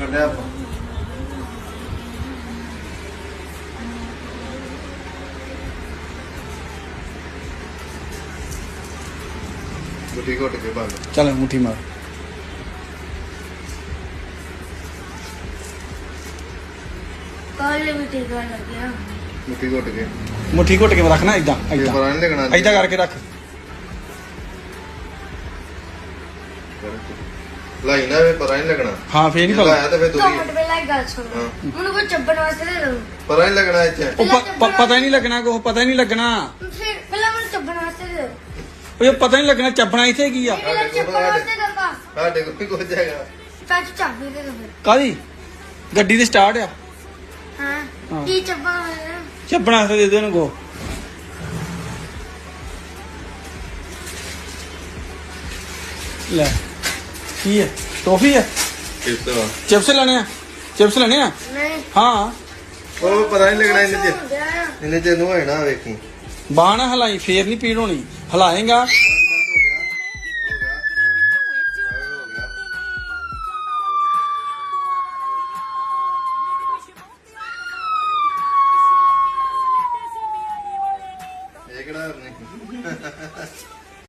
ਲਿਆ ਆਪਾਂ ਮੁੱਠੀ ਘੁੱਟ ਕੇ ਬੰਦ ਚੱਲ ਮੁੱਠੀ ਮਾਰ ਕਾਲੇ ਵੀ ਟੀਕਾ ਲੱਗਿਆ ਮੁੱਠੀ ਘੁੱਟ ਕੇ ਰੱਖਣਾ ਇਦਾਂ ਇਹ ਇਦਾਂ ਪਰਾਂ ਨਹੀਂ ਲੱਗਣਾ ਇਦਾਂ ਕਰਕੇ ਰੱਖ ਲਾਈ ਨਾ ਵੇ ਪਰਾਂ ਨਹੀਂ ਲੱਗਣਾ ਹਾਂ ਫੇਰ ਨਹੀਂ ਲਾਇਆ ਤੇ ਫੇਰ ਦੋ ਦੂਰੀ ਮਿੰਟ ਪਹਿਲਾਂ ਇੱਕ ਗੱਲ ਸੁਣ ਮੈਨੂੰ ਕੋਈ ਚੱਬਣ ਵਾਸਤੇ ਦੇ ਦੋ ਪਰਾਂ ਨਹੀਂ ਲੱਗਣਾ ਇੱਥੇ ਪਤਾ ਹੀ ਨਹੀਂ ਲੱਗਣਾ ਕੁਛ ਪਤਾ ਹੀ ਨਹੀਂ ਲੱਗਣਾ ਫਿਰ ਪਹਿਲਾਂ ਮੈਨੂੰ ਚੱਬਣ ਵਾਸਤੇ ਦੇ ਦੋ ਉਹ ਪਤਾ ਨਹੀਂ ਲੱਗਣਾ ਚੱਬਣਾ ਇੱਥੇ ਕੀ ਆ ਪਹਿਲਾਂ ਚੱਬਣ ਵਾਸਤੇ ਦੇ ਦੋ ਸਾਡੇ ਕੋਲ ਵੀ ਕੁਝ ਹੈਗਾ ਤਾਂ ਚਾਬੀ ਦੇ ਦੋ ਫਿਰ ਕਾਦੀ ਗੱਡੀ ਦੇ ਸਟਾਰਟ ਆ ਹਾਂ ਕੀ ਚੱਬਣ ਵਾਸਤੇ ਚੱਬਣਾ ਦੇ ਦੇ ਉਹਨੂੰ ਕੋ ਲੈ ਕੀ ਹੈ ਟੋਫੀ ਹੈ ਇਸ ਤਰ੍ਹਾਂ ਚਿਪਸ ਲੈਣੇ ਆ ਚਿਪਸ ਲੈਣੇ ਆ ਨਹੀਂ ਹਾਂ ਉਹ ਪਰਾਂ ਨਹੀਂ ਲੱਗਣਾ ਇਹਨੇ ਚ ਨੂੰ ਹੈ ਨਾ ਵੇਖੀ ਬਾਹ ਨਾ ਹਲਾਈ ਫੇਰ ਨਹੀਂ ਪੀੜ ਹੋਣੀ ਹਲਾਏਗਾ